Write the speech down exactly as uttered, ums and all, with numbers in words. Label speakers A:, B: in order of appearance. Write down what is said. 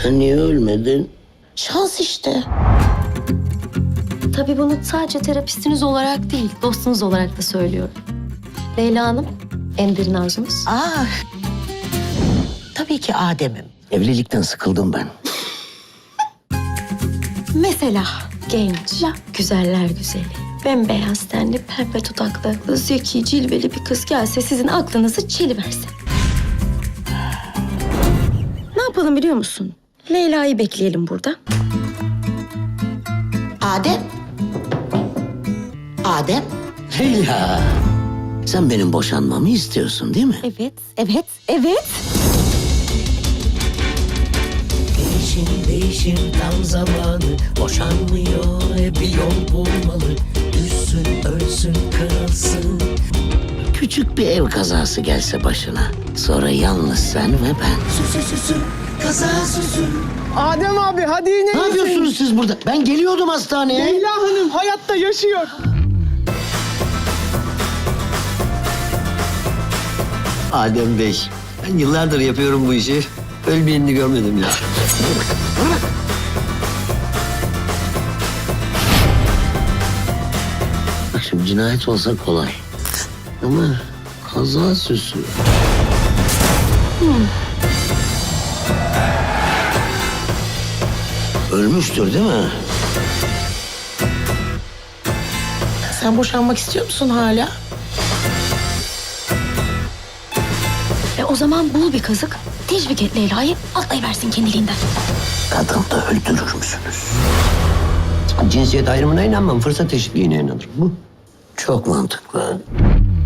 A: Sen niye ölmedin?
B: Şans işte. Tabii bunu sadece terapistiniz olarak değil, dostunuz olarak da söylüyorum. Leyla Hanım, en derin arzunuz.
C: Aa, tabii ki Adem'im.
A: Evlilikten sıkıldım ben.
B: Mesela genç, güzeller güzeli, bembeyaz tenli, pembe dudaklı, zeki, cilveli bir kız gelse sizin aklınızı çeliverse. Ne yapalım biliyor musun? Leyla'yı bekleyelim burada.
C: Adem. Adem.
A: Leyla, sen benim boşanmamı istiyorsun değil mi?
B: Evet, evet, evet.
D: Değişim değişim tam zamanı, boşanmıyor e bir yol bulmalı. Düşsün ölsün kırılsın.
A: Küçük bir ev kazası gelse başına. Sonra yalnız sen ve ben.
D: Süsü süsü kaza süsü.
E: Adem abi hadi yine
A: Ne yapıyorsunuz siz burada? Ben geliyordum hastaneye.
E: Leyla Hanım hayatta yaşıyor.
F: Adem Bey, ben yıllardır yapıyorum bu işi. Ölmeyenini görmedim ya.
A: Bak şimdi cinayet olsa kolay. Ama kaza süsü. Ölmüştür değil mi?
C: Sen boşanmak istiyor musun hala?
B: E o zaman bul bir kazık, teşvik et Leyla'yı, atlayıversin kendiliğinden.
A: Kadın da öldürür müsünüz?
F: Cinsiyet ayrımına inanmam, fırsat eşitliğine inanırım. Bu
A: Çok mantıklı.